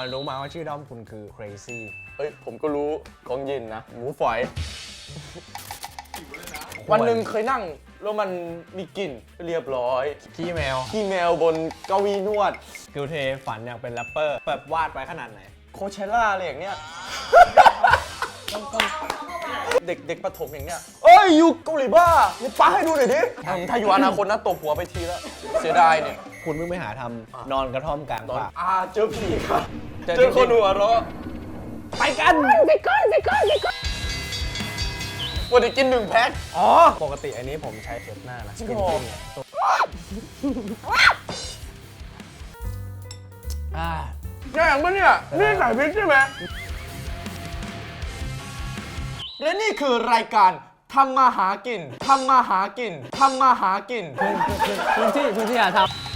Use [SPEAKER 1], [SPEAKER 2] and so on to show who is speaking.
[SPEAKER 1] รู้มาว่าชื่อด้อมคุณคือ crazy
[SPEAKER 2] เอ้ยผมก็รู้ของยินนะหมูฝอย วันหนึ่งเคยนั่งแล้วมันมีกลิ่นเรียบร้อย
[SPEAKER 1] ขี้แมว
[SPEAKER 2] ขี้แมวบนเก้าอี้นวด
[SPEAKER 1] กิลเทฝันอยากเป็นแรปเปอร์แบบวาดไว้ขนาดไหน
[SPEAKER 2] โคเชล่าอะไรอย่างเงี้ย เด็กประถมอย่างเงี้ยเอ้ยอยู่เกาหลีบ้านี่ป้าให้ดูหน่อยดิถ้าอยู่อนาคตนะตบหัวไปทีแล้วเสียดายเนี่ย
[SPEAKER 1] คุณเพิ่งไปหาทำนอนกระท่อมกลางป่า
[SPEAKER 2] เจอผีครับ
[SPEAKER 1] เจอ
[SPEAKER 2] เจอคนหัวเราะ
[SPEAKER 1] ไปกันไปก่อนไปก่อนไปก่อน
[SPEAKER 2] วันนี้กิน1 แพ็ค
[SPEAKER 1] อ๋อ ปกติอันนี้ผมใช้เช็ดหน้านะ
[SPEAKER 2] จริง
[SPEAKER 1] กิน
[SPEAKER 2] เหรอ
[SPEAKER 1] ปิ้งเนี่ยอ่า
[SPEAKER 2] แย่งปะเนี่ยนี่ใส่พริกใช่ไหมและนี่คือรายการทำมาหากินทำมาหากินทำมาหากิน
[SPEAKER 1] พื้นที่หาทำ